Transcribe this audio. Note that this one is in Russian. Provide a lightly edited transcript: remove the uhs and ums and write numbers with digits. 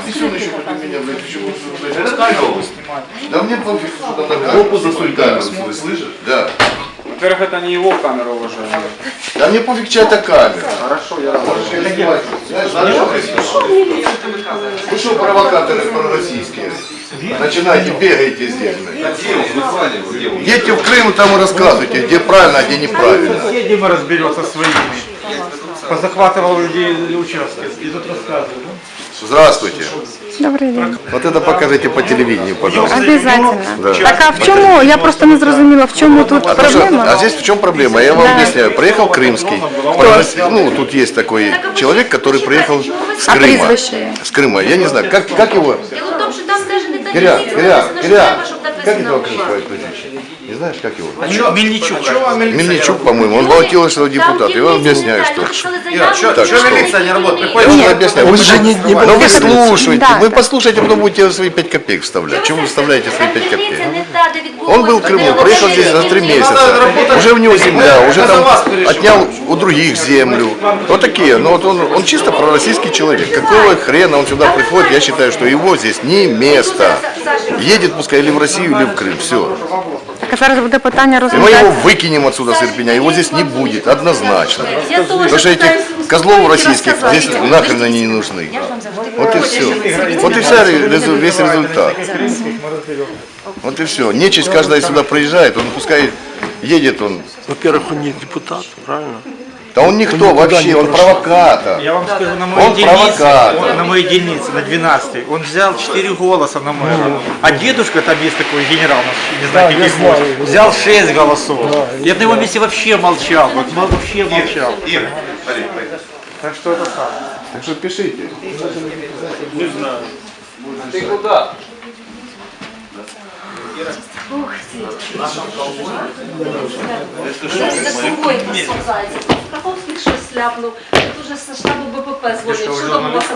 отнесен еще против меня, блядь, почему это камеру? Да мне пофиг, что там на камеру засунь камеру, слышишь? Да. Во-первых, это не его камера, уважаемый. Да мне пофиг, чья это камера. Хорошо, я Можешь ее снимать. Вы что, провокаторы пророссийские? Начинайте, бегаете здесь. Едьте в Крым, там и рассказывайте, где правильно, а где неправильно. Едем и разберется своими. Позахватывал людей участки. И тут рассказывают. Здравствуйте. Добрий день. Вот это покажите по телевидению, пожалуйста. Обязательно. Да. Так а в чому? Я просто не зрозуміла, в чому тут проблема? А здесь в чем проблема? Я вам объясняю. Приехал крымский. Ну, тут есть такой человек, который приехал с А Крыма. прізвище? С Крыма. Я не знаю, как его? Дело в том, что там даже не Киря, треба, щоб как написано этого участь. крымского прозвище? Не знаешь, как его? Мельничук. Мельничук, по-моему. Он баллотировался в депутат. Я вам объясняю, что... Так что? милиция не работает? Я вам объясняю. Но вы слушайте, Да, вы да. послушайте, потом будете свои 5 копеек вставлять. Чего вы вставляете свои 5 копеек? Дільниця не та, де відбулося. Он был в Крыму, приехал здесь за 3 месяца. Уже у него земля, уже там отнял у других землю. Вот такие. Но вот он чисто пророссийский человек. Какого хрена он сюда приходит? Я считаю, что его здесь не место. Едет пускай или в Россию, или в Крым. Все. Так а зараз буде питання И мы его розглядати. выкинем отсюда с Ирпеня. Его здесь не будет, однозначно. Я тоже Потому что этих пытаюсь козлов успокоить и российских рассказать. здесь нахрен они не нужны. Вот и все. Вот и весь результат. Вот и все. Нечисть каждая сюда приезжает, он пускай едет он. Во-первых, он не депутат, правильно? Да он никто вообще, он провокатор. Я вам скажу, на Он моей дельнице, провокатор. на моей дельнице, на 12-й, он взял 4 голоса на мэра. А дедушка, там есть такой генерал, не знаю, каких может, взял 6 голосов. Я на его месте вообще молчал, вот вообще молчал. Так что это так. Так что пишите. Ты куда? За собою спасається. Каховський щось ляпнув. Тут уже з штабу БПП дзвонять. Що там у вас